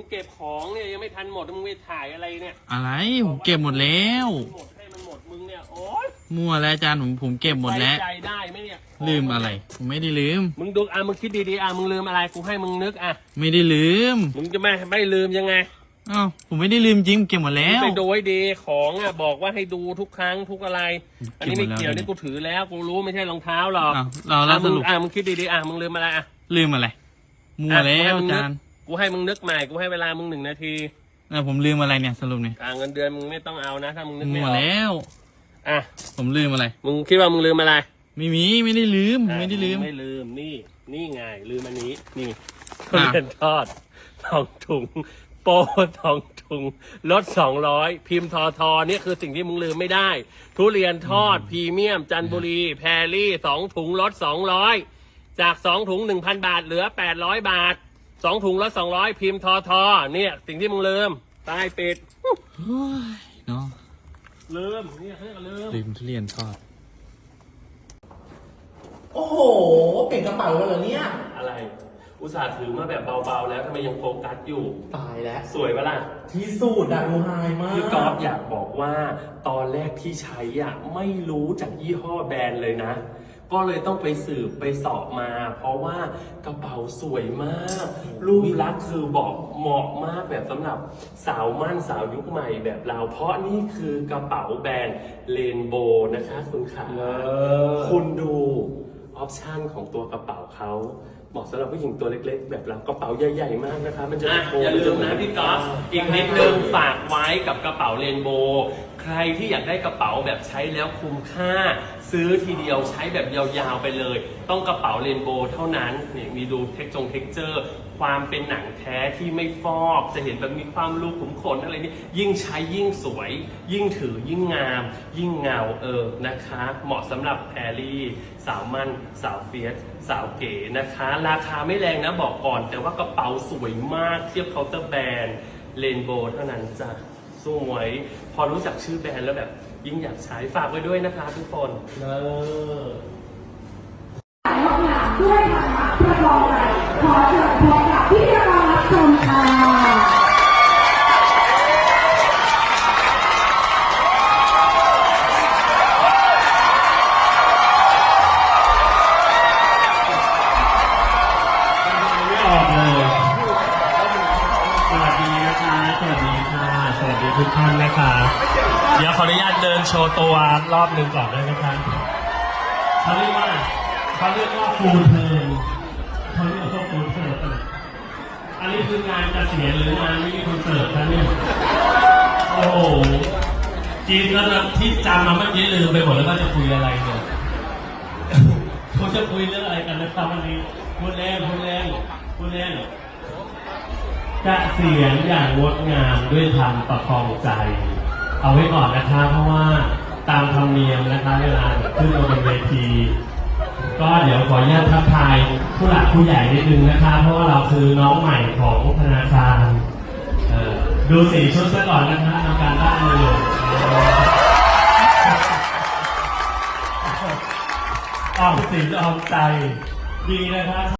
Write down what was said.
เก็บของเนี่ยยังไม่ทันหมดมึงไปถ่ายอะไรเนี่ยอะไรผมเก็บหมดแล้วหมดให้มันหมดมึงเนี่ยโอ๊ยมั่วแล้วอาจารย์ผมเก็บหมดแล้วใจได้ไหมเนี่ยลืมอะไรผมไม่ได้ลืมมึงดูมึงคิดดีๆมึงลืมอะไรกูให้มึงนึกไม่ได้ลืมมึงจะไม่ลืมยังไงอ้าวผมไม่ได้ลืมจริงเก็บหมดแล้วไปดูให้ดีของบอกว่าให้ดูทุกครั้งทุกอะไรอันนี้ไม่เกี่ยวนี่กูถือแล้วกูรู้ไม่ใช่รองเท้าหรอกเราสรุปมึงคิดดีๆมึงลืมอะไรลืมอะไรมั่วแล้วอาจารย์กูให้มึงนึกใหม่กูให้เวลามึง1 นาทีผมลืมอะไรเนี่ยสรุปเนี่ยเงินเดือนมึงไม่ต้องเอานะถ้ามึงนึกไม่ออกมั่วแล้วผมลืมอะไรมึงคิดว่ามึงลืมอะไรไม่ได้ลืมไม่ลืมนี่ไงลืมอันนี้นี่ทุเรียนทอด2 ถุงโปร2 ถุงลด200พิมพ์ทอนี่คือสิ่งที่มึงลืมไม่ได้ทุเรียนทอดพรีเมียมจันทบุรีแพรรี่2 ถุงลด200จาก2 ถุง 1,000 บาทเหลือ800 บาท2 ถุงลด200พิมพ์ทอเนี่ยสิ่งที่มึงลืมตายปิดเนาะลืมเนี่ยเขาเรียกลืมทุเรียนทอดโอ้โหเปลี่ยนกระเป๋าแล้วเหรอเนี่ยอะไรอุตส่าห์ถือมาแบบเบาๆแล้วทำไมยังโฟกัสอยู่ตายแล้วสวยปะล่ะที่สุดดูไฮมากพี่ก๊อฟอยากบอกว่าตอนแรกที่ใช้ไม่รู้จากยี่ห้อแบรนด์เลยนะก็เลยต้องไปสืบไปสอบมาเพราะว่ากระเป๋าสวยมากรูปลักษณ์คือบอกเหมาะมากแบบสำหรับสาวมั่นสาวยุคใหม่แบบเราเพราะนี่คือกระเป๋าแบรนด์เรนโบว์นะคะคุณขาคุณดูออปชั่นของตัวกระเป๋าเขาเหมาะสำหรับผู้หญิงตัวเล็กๆแบบเรากระเป๋าใหญ่ๆมากนะคะมันจะอย่าลืมนะพี่ก๊อฟอีกนิดนึงฝากไว้กับกระเป๋าเรนโบว์ใครที่อยากได้กระเป๋าแบบใช้แล้วคุ้มค่าซื้อทีเดียวใช้แบบยาวๆไปเลยต้องกระเป๋าเรนโบว์เท่านั้นนี่มีดูเท็กเจอร์ความเป็นหนังแท้ที่ไม่ฟอกจะเห็นแบบมีความรูขุมขนอะไรนี่ยิ่งใช้ยิ่งสวยยิ่งถือยิ่งงามยิ่งเงานะคะเหมาะสำหรับแพรรี่สาวมั่นสาวเฟียสสาวเก๋นะคะราคาไม่แรงนะบอกก่อนแต่ว่ากระเป๋าสวยมากเทียบเคาน์เตอร์แบรนด์เรนโบว์เท่านั้นจ้ะสวยพอรู้จักชื่อแบรนด์แล้วแบบยิ่งอยากใช้ฝากไว้ด้วยนะคะทุกคนห้องน้ำด้วยนะคะประกอบไปขอเชิญพบกับพี่รอรับชมค่ะสวัสดีทุกท่านนะคะเดี๋ยวขออนุญาตเดินโชว์ตัวรอบหนึ่งก่อนได้ไหมครับเขาเรียกว่าฟูลเทิร์นอันนี้คืองานเกษียณหรืองานมินิคอนเสิร์ตครับเนี่ยโอ้โหจีนแล้วที่จำมาเมื่อกี้ลืมไปหมดแล้วว่าจะคุยอะไรเนี่ยเขาจะคุยเรื่องอะไรกันนะครับวันนี้พูดเล่นเกษียณอย่างงดงามด้วยธรรมประคองใจเอาไว้ก่อนนะคะเพราะว่าตามธรรมเนียมนะคะเวลาขึ้นมาบนเวทีก็เดี๋ยวขออนุญาตทักทายผู้หลักผู้ใหญ่นิดนึงนะคะเพราะว่าเราคือน้องใหม่ของธนาคารดูสีชุดซะก่อนนะคะทำการบ้านมาอยู่ออมสินออมใจดีนะคะ